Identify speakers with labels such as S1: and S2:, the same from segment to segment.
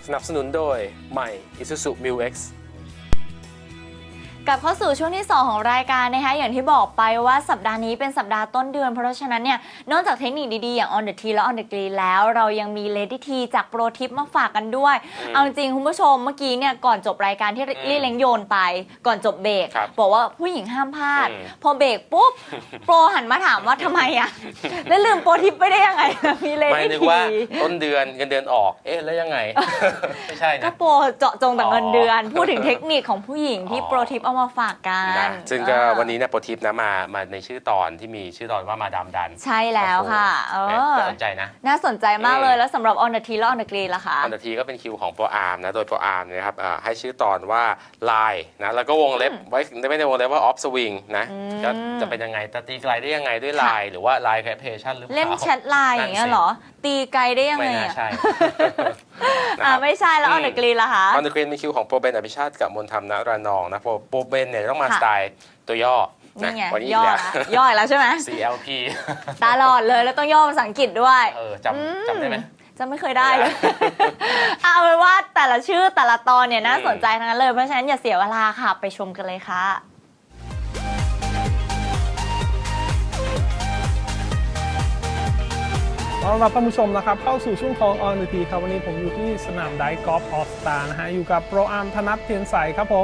S1: นับสนุนโดยใหม่ Isuzu Mu-X
S2: กลับเข้าสู่ช่วงที่ 2 ของรายการนะคะอย่างที่บอกไปว่าสัปดาห์นี้เป็นสัปดาห์ต้นเดือนเพราะฉะนั้นเนี่ยนอกจากเทคนิคดีๆอย่าง On the Tea และ On the Green แล้วเรายังมี Lady Tea จากโปรทิปมาฝากกันด้วยเอาจริงคุณผู้ชมเมื่อกี้เนี่ยก่อนจบรายการที่ลี่เล้งโยนไปก่อนจบเบรกบอกว่าผู้หญิงห้ามพลาดพอเบรกปุ๊บโปรหันมาถามว่าทำไมอ่ะแล้วลืมโปรทิปไปได้ยังไงมี Lady Tea
S1: ไม่นึกว่าต้นเดือนเงินเดือนออกแล้วยังไง ไม่ใช่นะ
S2: ก็โปรเจาะจงแต่เงินเดือนพูดถึงเทคนิคของผู้หญิงที่โปรทิปเอามาฝากกัน
S1: ซึ่งก็วันนี้เนี่ยโปรทิปนะมาในชื่อตอนที่มีชื่อตอนว่ามาดามดัน
S2: ใช่แล้วค่ะ
S1: น่าสนใจนะ
S2: น่าสนใจมากเลยแล้วสำหรับ On the Tea และ On the Green ล่ะคะ
S1: On the Tea ก็เป็นคิวของโปรอาร์มนะโดยโปรอาร์มนะครับให้ชื่อตอนว่าลายนะแล้วก็วงเล็บไว้ไม่ได้วงเล็บว่าออฟสวิงนะจะเป็นยังไงตีไกลได้ยังไงด้วยลายหรือว่าลายแคปเพชั่นหรือเปล่า
S2: เล่นแชทไลน์อย่างเงี้ยเหรอตีไกลได้ยังไง
S1: ไม่น่าใช่
S2: ไม่ใช่แล้ว On the Green ล่ะคะ
S1: On the Green มีคิวของโปรเบนอภิชาติกับมนธรรมณรานองนะโปรเบนเนี่ยต้องมาสไตล์ตัวย่อ
S2: นี่ไงย่อแล้วใช่ไหม
S1: CLP
S2: ตลอดเลยแล้วต้องย่อภาษาอังกฤษด้วย
S1: จำได้ไหม
S2: จะไม่เคยได้เลยเอาเป็นว่าแต่ละชื่อแต่ละตอนเนี่ยน่าสนใจทั้งนั้นเลยเพราะฉะนั้นอย่าเสียเวลาค่ะไปชมกันเลยค่ะ
S3: ต้อนรับท่านผู้ชมนะครับเข้าสู่ช่วงของ On the Tea ครับวันนี้ผมอยู่ที่สนามไดกอล์ฟออสตานะฮะอยู่กับโปรอาร์มธนัทเทียนใสครับผม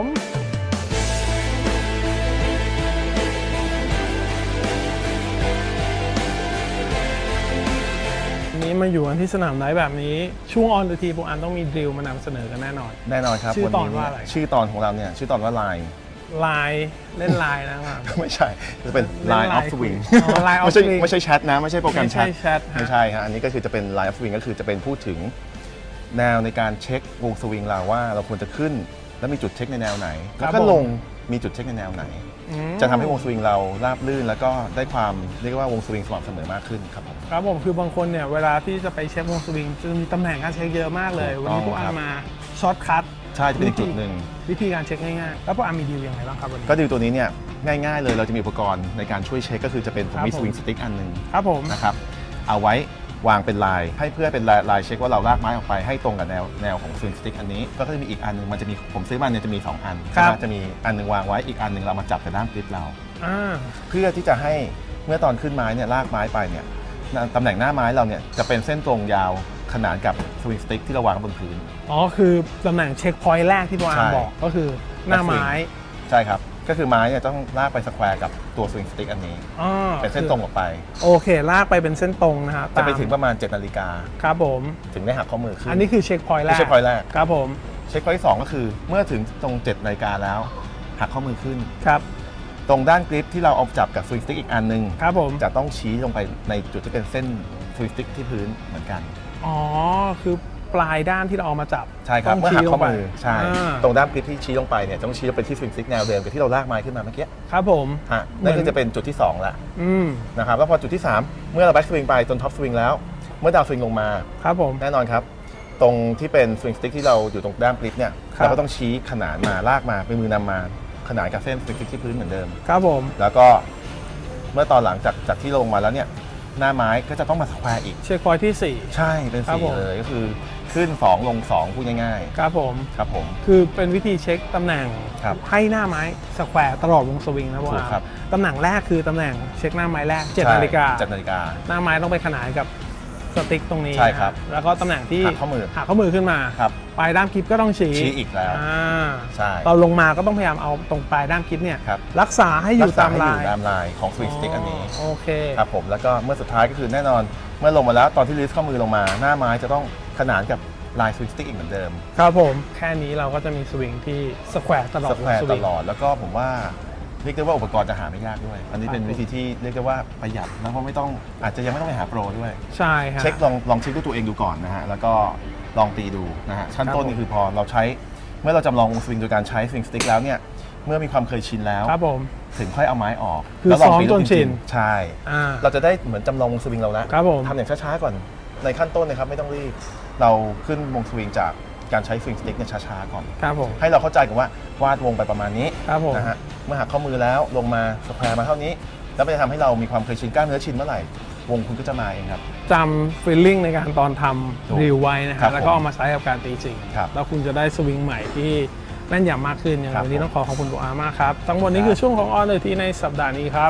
S3: นี้มาอยู่กันที่สนามไดแบบนี้ช่วง On the Tea โปรอาร์มต้องมีดริลมานำเสนอกันแน่นอน
S4: ครับ
S3: ชื่อตอนว่าอะไร
S4: ชื่อตอนของเราเนี่ยชื่อตอนว่าไลน์
S3: เล่นไลน์นะครับ
S4: ไม่ใช่จะเป็น Line of Swing ไม่ใช่แชทนะไม่ใช่โปรแกรมแชทไม่ใช่ฮะอันนี้ก็คือจะเป็น Line of Swing ก็คือจะเป็นพูดถึงแนวในการเช็ควงสวิงเราว่าเราควรจะขึ้นแล้วมีจุดเช็คในแนวไหนแล้วก็ลงมีจุดเช็คในแนวไหนจะทำให้วงสวิงเราราบลื่นแล้วก็ได้ความเรียกว่าวงสวิงสม่ำเสมอมากขึ้นครับผม
S3: ครับผมคือบางคนเนี่ยเวลาที่จะไปเช็ควงสวิงจะมีตำแหน่งการเช็คเยอะมากเลยวันนี้พวกอาร์มาช็อตคัท
S4: ใช่จะเป็นอีกจุดหนึ่ง
S3: วิธีการเช็คง่ายๆแล้วพวกอาร์มีดีลยังไงบ้างครับวันนี้
S4: ก็ดีลตัวนี้เนี่ยง่ายๆเลยเราจะมีอุปกรณ์ในการช่วยเช็คก็คือจะเป็นผมมีสวิงสติ๊กอันนึง
S3: ครับผม
S4: นะครับเอาไว้วางเป็นลายให้เพื่อเป็นลายเช็คว่าเราลากไม้ออกไปให้ตรงกับแนวของสวิงสติ๊กอันนี้ก็จะมีอีกอันนึงมันจะมีผมซื้อมาเนี่ยจะมี2อันจะมีอันนึงวางไว้อีกอันนึงเรามาจับกับด้ามกริปเราเพื่อที่จะให้เมื่อตอนขึ้นไม้เนี่ยลากไม้ไปเนี่ยตำแหน่งหน้าไม้เราเนี่ยจะเป็นเส้นตรงยาวขนานกับสวิงสติ๊กที่เราวางบนพื้น
S3: คือตำแหน่งเช็คพอยต์แรกที่โปรอาร์มบอกก็คือหน้าไม้
S4: ใช่ครับก็คือไม้เนี่ยต้องลากไปสแควร์กับตัวสวิงสติ๊กอันนี้เป็นเส้นตรงออกไป
S3: โอเคลากไปเป็นเส้นตรงนะครับ
S4: จะไปถึงประมาณ7 นาฬิกา
S3: ครับผม
S4: ถึงได้หักข้อมือขึ้น
S3: อันนี้คือเช็คพอยต์แรกครับผม
S4: เช็คพอยต์ที่2ก็คือเมื่อถึงตรง7 นาฬิกาแล้วหักข้อมือขึ้น
S3: ครับ
S4: ตรงด้านกริปที่เราเอาจับกับสวิงสติ๊กอีกอันนึง
S3: ครับผม
S4: จะต้องชี้ลงไปในจุดที่เป็นเส้นสวิงสติ๊กที่พื้นเหมือนกัน
S3: คือปลายด้านที่เราเอามาจับ
S4: ใช่ครับเมื่อหักข้อมือใช่ตรงด้านกริปที่ชี้ลงไปเนี่ยต้องชี้ลงไปที่สวิงสติ๊กแนวเดิมกับที่เราลากไม้ขึ้นมาเมื่อกี้
S3: ครับผม
S4: นั่นก็จะเป็นจุดที่2ละนะครับแล้วพอจุดที่3เมื่อเราแบ็กสวิงไปจนท็อปสวิงแล้วเมื่อดาวสวิงลงมา
S3: ครับผม
S4: แน่นอนครับตรงที่เป็นสวิงสติ๊กที่เราอยู่ตรงด้านกริปเนี่ยเราก็ต้องชี้ขนานมาลากมาเป็นมือนำมาขนานกับเส้นสวิงสติ๊กที่พื้นเหมือนเดิม
S3: ครับผม
S4: แล้วก็เมื่อตอนหลังจากที่ลงมาแล้วเนี่ยหน้าไม้ก็จะต้องมาสแควร์อีก
S3: เช็คพอยท์ที่4
S4: ใช่เป็น4เลยก็คือขึ้น2ลง2พูดง่าย
S3: ๆครับผมคือเป็นวิธีเช็คตำแหน่งให้หน้าไม้สแควร์ตลอดวงสวิงนะพ่อตำแหน่งแรกคือตำแหน่งเช็คหน้าไม้แรก7 นาฬิกาหน้าไม้ต้องไปขนานกับสติ๊กตรงนี้
S4: ใช่ครับ
S3: แล้วก็ตำแหน่งที่
S4: หักข้อ
S3: มือขึ้นมาปลายด้ามคลิปก็ต้องชี้
S4: อีกแล้วใช่
S3: ตอนลงมาก็ต้องพยายามเอาตรงปลายด้ามคลิปเนี่ยรักษาให้อยู่ตามล
S4: ายของสวิงสติ๊กอันนี้
S3: โอเค
S4: ครับผมแล้วก็เมื่อสุดท้ายก็คือแน่นอนเมื่อลงมาแล้วตอนที่ลิสต์ข้อมือลงมาหน้าไม้จะต้องขนานกับลายสวิงสติ๊กอีกเหมือนเดิม
S3: ครับผมแค่นี้เราก็จะมีสวิงที่สแควร์ตลอด
S4: แล้วก็ผมว่าเรียกได้ว่าอุปกรณ์จะหาไม่ยากด้วยอันนี้เป็นวิธีที่เรียกได้ว่าประหยัดแล้วก็ไม่ต้องอาจจะยังไม่ต้องไปหาโปรด้วย
S3: ใช่ครับ
S4: เช็คลองเช็คด้วยตัวเองดูก่อนนะฮะแล้วก็ลองตีดูนะฮะชั้นต้นนี่คือพอเราใช้เมื่อเราจำลองสวิงโดยการใช้สวิงสติ๊กแล้วเนี่ยเมื่อมีความเคยชินแล้ว
S3: ครับผม
S4: ถึงค่อยเอาไม้ออก
S3: แล้วลองตีจนชิน
S4: ใช่เราจะได้เหมือนจำลองสวิงเราแล้วทำอย่างช้าๆก่อนในขั้นต้นนะครับไม่ต้องรีบเราขึ้นวงสวิงจากการใช้สวิงสติ๊กเนี่ยช้าๆก่อนให้เราเข้าใจกันว่าวาดวงไปประมาณนี้นะฮะเมื่อหักข้อมือแล้วลงมาสแควร์มาเท่านี้แล้วมันจะทำให้เรามีความเคยชินกล้ามเนื้อชินเมื่อไหร่วงคุณก็จะมาเองครับ
S3: จำฟีลลิ่งในการตอนทำรีวไว้นะค
S4: ครั
S3: รับบ แล้วก็เอามาใช้กับการตีจริง
S4: ครับ
S3: แล้วคุณจะได้สวิงใหม่ที่แม่นยำมากขึ้นอย่าง
S4: ครับ
S3: วันนี้ต้องขอบคุณโปรอาร์มากครับทั้งหมดนี้คือช่วงของ On the Tee ในสัปดาห์นี้ครับ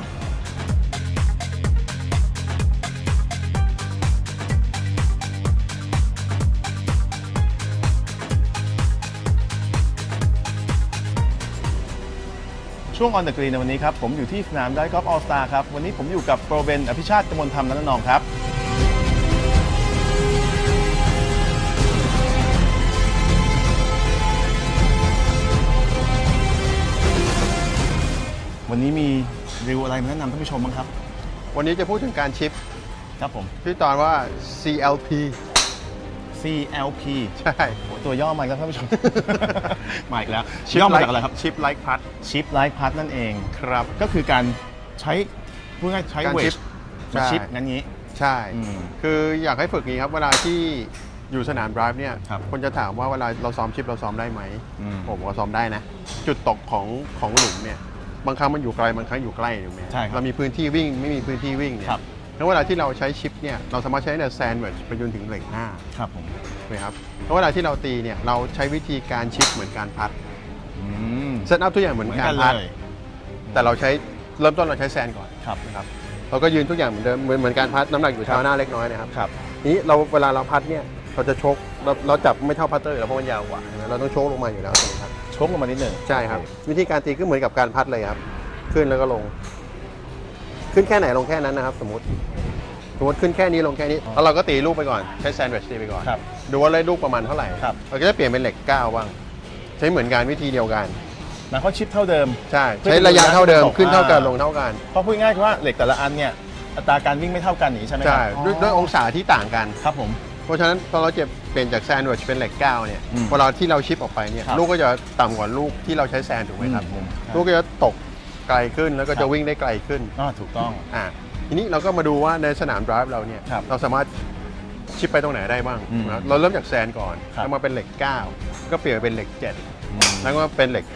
S4: ช่วง On the Green ในวันนี้ครับผมอยู่ที่สนามไดกอล์ฟออลสตาร์ครับวันนี้ผมอยู่กับโปรเบนอภิชาติกมลธรรมนันทนองครับวันนี้มีรีวิวอะไรมาแนะนำท่านผู้ชมบ้างครับ
S5: วันนี้จะพูดถึงการชิป
S4: ครับผม
S5: ที่ตอนว่า CLP
S4: CLP
S5: ใช่
S4: โหตัวย่อมาแล้วท่านผู้ชม มาอีกแล้วย่อมาจากอะไรครับ
S5: ชิปไลค์พัด
S4: ชิปไลท์พัทนั่นเอง
S5: ครับ
S4: ก็คือการใช้พูดง่ายๆใช้
S5: การ
S4: เว
S5: ชิ
S4: ท
S5: ป
S4: มา
S5: ใช่
S4: ชิปงั้นงี้
S5: ใช่
S4: อืม
S5: คืออยากให้ฝึกนี้ครับ เวลาที่อยู่สนามไดรฟ์เนี่ย
S4: ครับ
S5: คนจะถามว่าเวลาเราซ้อมชิปเราซ้อมได้ไหม
S4: อืม
S5: ผมก็ซ้อมได้นะ จุดตกของหลุมเนี่ยบางครั้งมันอยู่ไกลบางครั้งอยู่ใกล้ถูกไหม
S4: ใช่ครับ
S5: เรามีพื้นที่วิ่งไม่มีพื้นที่วิ่งเนี่ย
S4: ครับ
S5: แล้วเวลาที่เราใช้ชิปเนี่ยเราสามารถใช้ในแซนด์วิชไปจนถึงเหล็กห้า
S4: ครับผม
S5: ถูกไหมครับแล้วเวลาที่เราตีเนี่ยเราใช้วิธีการชิปเหมือนการพัด
S4: อืม
S5: เซตอัพทุกอย่างเหมือน
S4: เหมือน
S5: กา
S4: กั
S5: ร
S4: น
S5: พัด
S4: เลย
S5: แต่เราใช้เริ่มต้นเราใช้แซนก่อน
S4: ครับ
S5: นะครับเราก็ยืนทุกอย่างเหมือนเดิมเหมือนการพัดน้ำหนักอยู่เท้าหน้าเล็กน้อยนะครับ
S4: ครับ
S5: นี้เวลาเราพัดเนี่ยเราจะชกเราจับไม่เท่าพัตเตอร์อยู่แล้วเพราะมันยาวกว่าใช่ไหมเราต้องชกลงมาอยู่แล้วถูกไหมครับ
S4: ชกลงมานิดหนึ่ง
S5: ใช่ครับวิธีการตีก็เหมือนกับการพัดเลยครับขึ้นแล้วก็ลง ขึ้นแค่ไหนลงแค่นั้นนะครับ สมมติขึ้นแค่นี้ลงแค่นี้แล้วเราก็ตีลูกไปก่อนใช้แซนด์วิชตีไปก่อน
S4: ครับ
S5: ดูว่าได้ลูกประมาณเท่าไหร่
S4: ครับ
S5: เราก็จะเปลี่ยนเป็นเหล็ก9บ้างใช้เหมือนกันวิธีเดียวกัน
S4: หมายความชิปเท่าเดิม
S5: ใช่ใช้ระยะเท่าเดิม
S4: เพื่อ
S5: ขึ้นเท่ากัน
S4: อ่า
S5: ลงเท่ากัน
S4: เพราะพูดง่ายๆว่าเหล็กแต่ละอันเนี่ยอัตราการวิ่งไม่เท่ากันอย่างนี้ใช่ไหมครั
S5: ใช่ด้วยองศาที่ต่างกัน
S4: ครับผม
S5: เพราะฉะนั้นพอเราเปลี่ยนจากแซนด์วิชเป็นเหล็ก9เนี่ย
S4: อืม
S5: เวลาที่เราชิปออกไปเนี่ย
S4: ครับ
S5: ลูกก็จะต่ำกว่าลูกที่เราใช้แซนถูกไหมครับ
S4: อืม
S5: ลูกก็จะตกไกลขึ้นแล้วก็
S4: ครั
S5: จะ
S4: บ
S5: วิ่งได้ไกลขึ้น
S4: ถูกต้อง
S5: ทีนี้เราก็มาดูว่าในสนามไดรฟ์เราเนี่ย
S4: ครับ
S5: เราสามารถชิปไปตรงไหนได้บ้าง
S4: อืม
S5: นะครับเราเริ่มจากแซนก่อน
S4: ครับ
S5: แล้วมาเป็นเหล็ก9ก็เปลี่ยนเป็นเหล็ก7แล้วก็เป็นเหล็ก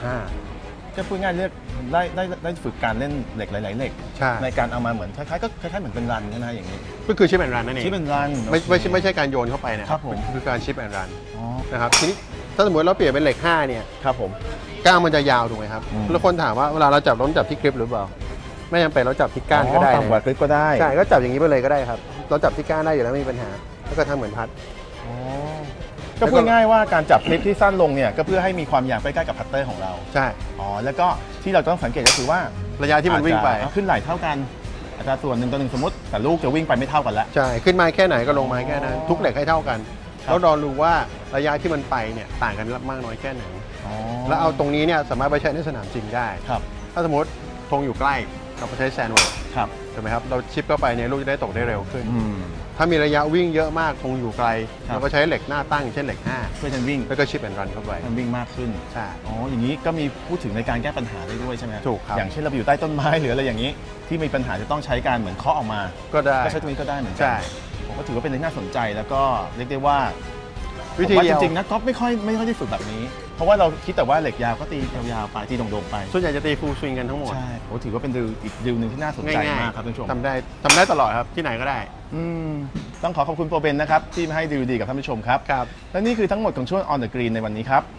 S5: 5
S4: ก็พูดง่ายๆเรียกได้ฝึกการเล่นเหล็กหลายๆเหล็ก
S5: ใช่
S4: ในการเอามาเหมือนคล้ายๆเหมือนเป็นรันใช่ไหมอย่างนี้
S5: ก็คือชิปแอนด์รันนั่นเอง
S4: ที่เป็นรัน
S5: ไม่ใช่การโยนเข้าไปนะครับ
S4: ผม
S5: คือการชิปแอนด์รัน
S4: อ๋อ
S5: นะครับทีนี้ถ้าสมมติเราเปลี่ยนเป็นเหล็ก5เนี่ย
S4: ครับผม
S5: ก้านมันจะยาวถูกไหมครับ
S4: อืม
S5: แล้วคนถามว่าเวลาเราจับเราต้องจับที่กริปหรือเปล่าไม่จำเป็นเราจับที่ก้านก็ได้
S4: ต่ำกว่าคลิปก็ได้
S5: ใช่ก็จับอย่างนี้ไปเลยก็ได้ครับเราจับที่ก้านได้อยู่แล้วไม่มีปัญหา แล้วก็ทำเหมือนพัด
S4: อ๋อก็พูดง่ายๆว่าการจับคลิปที่สั้นลงเนี่ยก็เพื่อให้มีความยาวใกล้ๆกับพัตเตอร์ของเรา
S5: ใช่
S4: อ๋อแล้วก็ที่เราต้องสังเกตก็คือว่า
S5: ระยะที่มันวิ่งไป
S4: อาจจะขึ้นไหลเท่ากันอัตราส่วน1 ต่อ 1สมมติแต่ลูกจะวิ่งไปไม่เท่ากันแล้ว
S5: ใช่ขึ้นไม้แค่ไหนก็ลงไม้แค่นั้นทุกเหล็กให้เท่ากัน
S4: ครับ
S5: แล้วรอรู้ว่าระยะที่มันไปเนี่ยต่างกันมากน้อยแค่ไหน
S4: อ๋อ
S5: แล้วเอาตรงนี้เนี่ยสามารถไปใช้ในสนามจริงได้
S4: ครับ
S5: ถ้าสมมติธงอยู่ใกล้เราไปใช้แซนด์วิช
S4: ครับ
S5: ถูกไหมครับเราชิปเข้าไปเนี่ยลูกจะได้ตกได้เร็วขึ้น
S4: อืม
S5: ถ้ามีระยะวิ่งเยอะมากธงอยู่ไกล
S4: ครับ
S5: เราก็ใช้เหล็กหน้าตั้งเช่นเหล็ก
S4: เพื่อจะวิ่ง
S5: 5แล้วก็ชิปแอนด์รันเข้าไป
S4: มันวิ่งมากขึ้น
S5: ใช่
S4: อ๋ออย่างนี้ก็มีพูดถึงในการแก้ปัญหาได้ด้วยใช่ไหม
S5: ถูกครับ
S4: อย่างเช่นเราไปอยู่ใต้ต้นไม้หรืออะไรอย่างนี้ ที่มีปัญหาจะต้องใช้การเหมือนเคาะออกมา
S5: ก็ได้
S4: ก็ใช้ตรงนี้ก็ได้เหมือนกั
S5: ใช่
S4: ผมก็ถือว่าเป็นเรื่องน่าสนใจแล้วก็เรียกได้ว่า
S5: วิธี
S4: ผม
S5: เดียว
S4: จริงๆนะก๊อฟไม่ค่อยได้ฝึกแบบนี้ เพราะว่าเราคิดแต่ว่าเหล็กยาวก็ตียาวๆไปตีโด่งๆไป
S5: ส่วนใหญ่จะตีฟูลสวิงกันทั้งหมด
S4: ใช่ผมถือว่าเป็นอีกดิวหนึ่งที่น่าสนใจ
S5: ง่าย
S4: มากครับท่านผู้ชม
S5: ทำได้ตลอดครับที่ไหนก็ได้
S4: อืมต้องขอขอบคุณโปรเบนนะครับที่มาให้ดิวดีกับท่านผู้ชมครับ
S5: ครับ
S4: และนี่คือทั้งหมดของช่วง On the Green ในวันนี้ครับ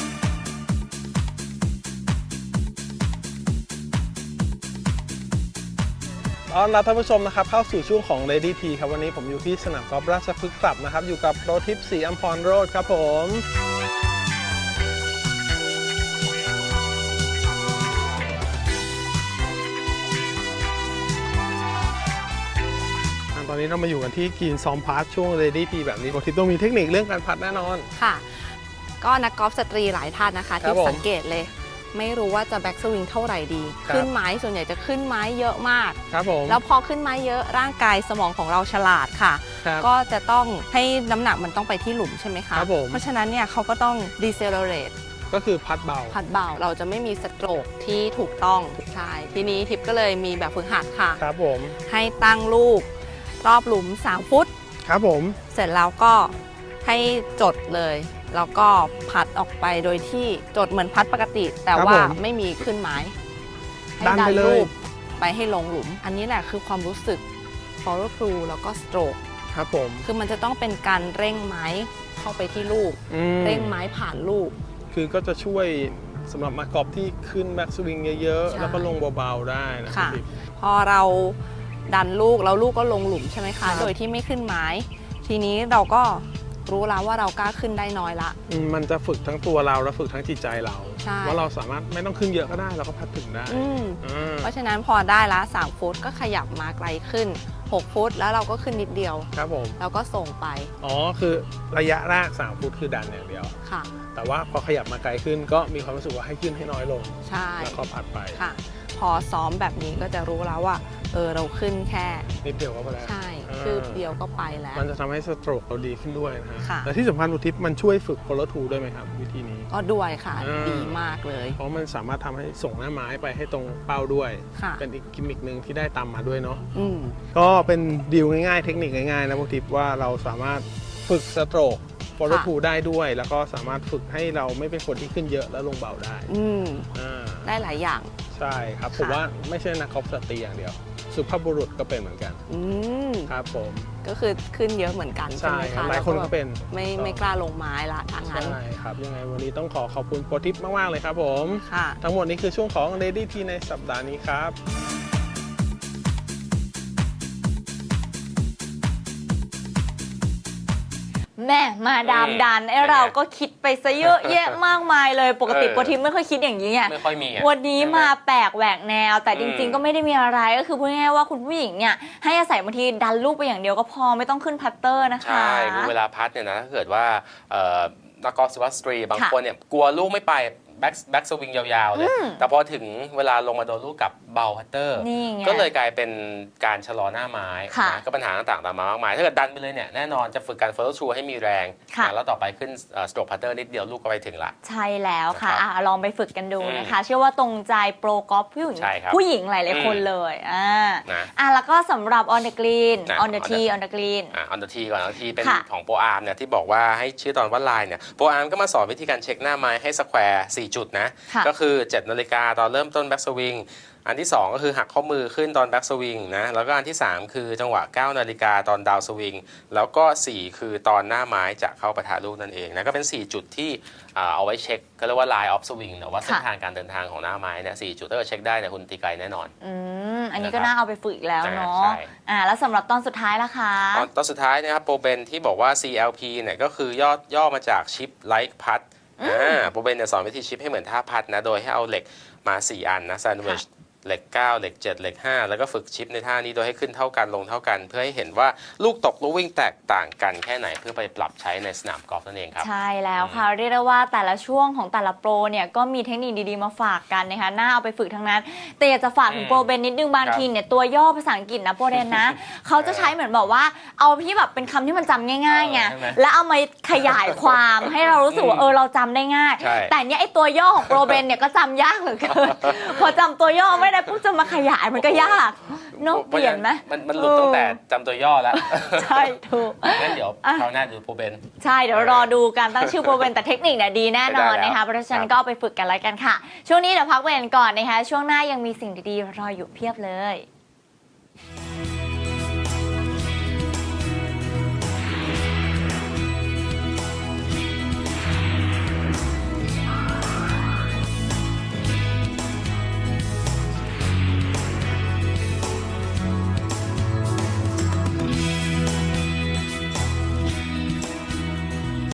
S3: ต้อนรับท่านผู้ชมนะครับเข้าสู่ช่วงของ Lady T ครับวันนี้ผมอยู่ที่สนามกอล์ฟราชพฤกษ์คลับนะครับอยู่กับโปรทิปศรีอัมพรโรจน์ครับผมตอนนี้เรามาอยู่กันที่กรีนซ้อมพาร์ทช่วง Lady T แบบนี้โปรทิปต้องมีเทคนิคเรื่องการพัดแน่นอน
S6: ค่ะ ก็นักกอล์ฟสตรีหลายท่านนะคะ
S3: ครั
S6: ที่
S3: บผม
S6: สังเกตเลย ไม่รู้ว่าจะแบ็กสวิงเท่าไหร่ดี
S3: ครับ
S6: ขึ้นไม้ส่วนใหญ่จะขึ้นไม้เยอะมาก
S3: ครับผม
S6: แล้วพอขึ้นไม้เยอะร่างกายสมองของเราฉลาดค่ะ
S3: ครับ
S6: ก็จะต้องให้น้ำหนักมันต้องไปที่หลุมใช่ไหมคะ
S3: ครับผม
S6: เพราะฉะนั้นเนี่ยเขาก็ต้อง decelerate
S3: ก็คือพัดเบา
S6: พัดเบาเราจะไม่มีสโตรกที่ถูกต้องใช่ทีนี้ทิปก็เลยมีแบบฝึกหัดค่ะ
S3: ครับผม
S6: ให้ตั้งลูกรอบหลุม 3 ฟุต
S3: ครับผม
S6: เสร็จแล้วก็ให้จดเลย แล้วก็พัดออกไปโดยที่จดเหมือนพัดปกติ แต่ว่าไม่มีขึ้นไม้ให้
S3: ดันไปเลย
S6: ลูกไปให้ลงหลุม อันนี้แหละคือความรู้สึก follow through แล้วก็ stroke
S3: ครับผม
S6: คือมันจะต้องเป็นการเร่งไม้เข้าไปที่ลูก เร่งไม้ผ่านลูก
S3: คือก็จะช่วยสำหรับนักกอล์ฟที่ขึ้นแบ็กสวิงเยอะ
S6: ใช่
S3: ๆ แล้วก็ลงเบาๆได้นะครั
S6: ค่ะ
S3: บ
S6: พอเราดันลูกแล้วลูกก็ลงหลุมใช่ไหม
S3: ครั
S6: คะ
S3: บ
S6: โดยที่ไม่ขึ้นไม้ ทีนี้เราก็รู้แล้วว่าเรากล้าขึ้นได้น้อยละ
S3: มันจะฝึกทั้งตัวเราและฝึกทั้งจิตใจเรา
S6: ใช่
S3: ว่าเราสามารถไม่ต้องขึ้นเยอะก็ได้เราก็พัดถึงได้
S6: อืม
S3: อ่า
S6: เพราะฉะนั้นพอได้ละ3 ฟุตก็ขยับมาไกลขึ้น 6 ฟุตแล้วเราก็ขึ้นนิดเดียว
S3: ครับผม
S6: แล้วก็ส่งไป
S3: อ๋อคือระยะแรก3 ฟุตคือดันอย่างเดียว
S6: ค่ะ
S3: แต่ว่าพอขยับมาไกลขึ้นก็มีความรู้สึกว่าให้ขึ้นให้น้อยลง
S6: ใช่
S3: แล้วก็พัดไป
S6: ค่ะ พอซ้อมแบบนี้ก็จะรู้แล้วว่าเราขึ้นแค่
S3: นิดเดียวก็พอแล้ว
S6: ใช่คืบเดียวก็ไปแล้ว
S3: มันจะทำให้สโตรกเราดีขึ้นด้วยนะฮะ
S6: ค่ะ
S3: แต่ที่สำคัญอุทิศมันช่วยฝึก follow through ด้วยไหมครับ วิธีนี้
S6: ก็ด้วยค่ะ
S3: อ่า
S6: ดีมากเลย
S3: เพราะมันสามารถทำให้ส่งหน้าไม้ไปให้ตรงเป้าด้วย
S6: ค่ะ
S3: เป็นอีกกิมมิคหนึ่งที่ได้ตามมาด้วยเนาะ
S6: อืม
S3: ก็เป็นดีลง่ายๆ เทคนิคง่ายๆนะพวกทิปว่าเราสามารถฝึกสโตรก follow
S6: ค่ะ
S3: through ได้ด้วย แล้วก็สามารถฝึกให้เราไม่เป็นคนที่ขึ้นเยอะแล้วลงเบาได้
S6: อืม
S3: อ่า
S6: ได้หลายอย่าง
S3: ใช่ครับ ผม
S6: ค่ะ
S3: ว่าไม่ใช่นักกอล์ฟสตรีอย่างเดียว สุภาพบุรุษก็เป็นเหมือนกัน
S6: อืม
S3: ครับผม
S6: ก็คือขึ้นเยอะเหมือนกันใช่
S3: ใช่
S6: ไหม
S3: ครั
S6: คะ
S3: บหลายคนก็เป็น
S6: ไม่กล้าลงไม้ละทางนั้น
S3: ใช่ครับ ยังไงวันนี้ต้องขอบคุณโปรทิปมากๆเลยครับผม
S6: ค่ะ
S3: ทั้งหมดนี้คือช่วงของ Lady T ในสัปดาห์นี้ครับ
S2: แม่มาดามดันไอเราก็คิดไปซะเยอะแยะมากมายเลยปกติโปรทิปไม่ค่อยคิดอย่างนี้ไง
S1: ไม่ค่อยมีอะ
S2: วันนี้มาแปลกแหวกแนว แต่จริง
S1: อืม
S2: ๆก็ไม่ได้มีอะไรก็คือพูดง่ายๆว่าคุณผู้หญิงเนี่ยให้อาศัยบางทีดันลูกไปอย่างเดียวก็พอไม่ต้องขึ้นพัตเตอร์นะคะ
S1: ใช่คือเวลาพัดเนี่ยนะถ้าเกิดว่านักกอล์ฟสุภาพสตรีบางคนเนี่ยกลัวลูกไม่ไปแบ็กสวิงยาวๆเลยแต่พอถึงเวลาลงมาโดนลูกกับเบาพัตเตอร์
S2: นี่ไง
S1: ก็เลยกลายเป็นการชะลอหน้าไม้
S2: ค่ะ
S1: นะก็ปัญหาต่างๆตามมามากมายถ้าเกิดดันไปเลยเนี่ยแน่นอนจะฝึกการ follow through ให้มีแรง
S2: ค่ะ
S1: นะแล้วต่อไปขึ้นstroke putter นิดเดียวลูกก็ไปถึงละ
S2: ใช่แล้วค่ะ
S1: นะครับ
S2: ลองไปฝึกกันดูนะคะ เชื่อว่าตรงใจโปรกอล์ฟผู้หญิง
S1: ใช่ครับ
S2: ผู้หญิงหลายๆคนเลย
S1: นะ
S2: แล้วก็สำหรับ on the green
S1: นะ
S2: on the tee on the green
S1: on the tee ก่อน on the tee เป็น
S2: ค่ะ
S1: ของโปรอาร์มเนี่ยที่บอกว่าให้ชื่อตอนว่าไลน์เนี่ยโปรอาร์มก็มาสอนวิธีการเช็คหน้าไม้ให้สแควร์4จุดนะ
S2: ค่ะ
S1: ก็คือ 7 นาฬิกาตอนเริ่มต้นแบ็กสวิงอันที่ 2 ก็คือหักข้อมือขึ้นตอนแบ็กสวิงนะแล้วก็อันที่ 3 คือจังหวะ 9 นาฬิกาตอนดาวสวิงแล้วก็ 4 คือตอนหน้าไม้จะเข้าปะทะลูกนั่นเองนะก็เป็น 4 จุดที่เอาไว้เช็คก็เรียกว่า line of swing หรือว่าเส้นทางการเดินทางของหน้าไม้เนี่ย4จุดถ้าเกิดเช็คได้เนี่ยคุณตีไกลแน่นอน
S2: อันนี้ก็น่าเอาไปฝึกอีกแล้วเนาะ
S1: ใช่
S2: แล้วสำหรับตอนสุดท้ายล่ะคะ
S1: ตอนสุดท้ายนะครับโปรเบนที่บอกว่า CLP เนี่ยก็คือย่อมาจาก Chip Like Putt โปรเบนเนี่ยสอนวิธีชิปให้เหมือนท่าพัดนะโดยให้เอาเหล็กมา 4 อันนะแซนด์วิชเหล็ก 9 เหล็ก 7 เหล็ก 5 แล้วก็ฝึกชิปในท่านี้โดยให้ขึ้นเท่ากันลงเท่ากัน เพื่อให้เห็นว่าลูกตกลูกวิ่งแตกต่างกันแค่ไหนเพื่อไปปรับใช้ในสนามกอล์ฟนั่นเองครับ
S2: ใช่แล้วค่ะเรียกได้ว่าแต่ละช่วงของแต่ละโปรเนี่ยก็มีเทคนิคดีๆมาฝากกันนะคะน่าเอาไปฝึกทั้งนั้น แต่อยากจะฝากถึงโปรเบนนิดนึงบางทีเนี่ยตัวย่อภาษาอังกฤษนะโปรเบนนะ เขาจะใช้เหมือนบอกว่าเอาที่แบบเป็นคำที่มันจำง่ายๆไง
S1: ใช่ไหม
S2: แล้วเอามาขยายความให้เรารู้สึกว่าเราจำได้ง่าย
S1: ใช่
S2: แต่เนี่ยไอตัวย่อของโปรเบนเนี่ยก็จำยากเหลือเกิน พอจำตัวย่อไม่ได้ปุ๊บจะมาขยายมันก็ยากเนอะเปลี่ยนไหม
S1: มันหลุดตั้งแต่จำตัวย่อแล้ว
S2: ใช่ถูก
S1: งั้นเดี๋ยวคราวหน้าดูโปรเบน
S2: ใช่เดี๋ยวรอดูการตั้งชื่อโปรเบนแต่เทคนิคเนี่ยดีแน่นอน
S1: ได้แล้ว
S2: นะคะเพราะฉะนั้
S1: ครั
S2: น
S1: บ
S2: ก็เอาไปฝึกกันแล้วกันค่ะ ช่วงนี้เดี๋ยวพักเบรกก่อนนะคะช่วงหน้ายังมีสิ่งดีๆรออยู่เพียบเลย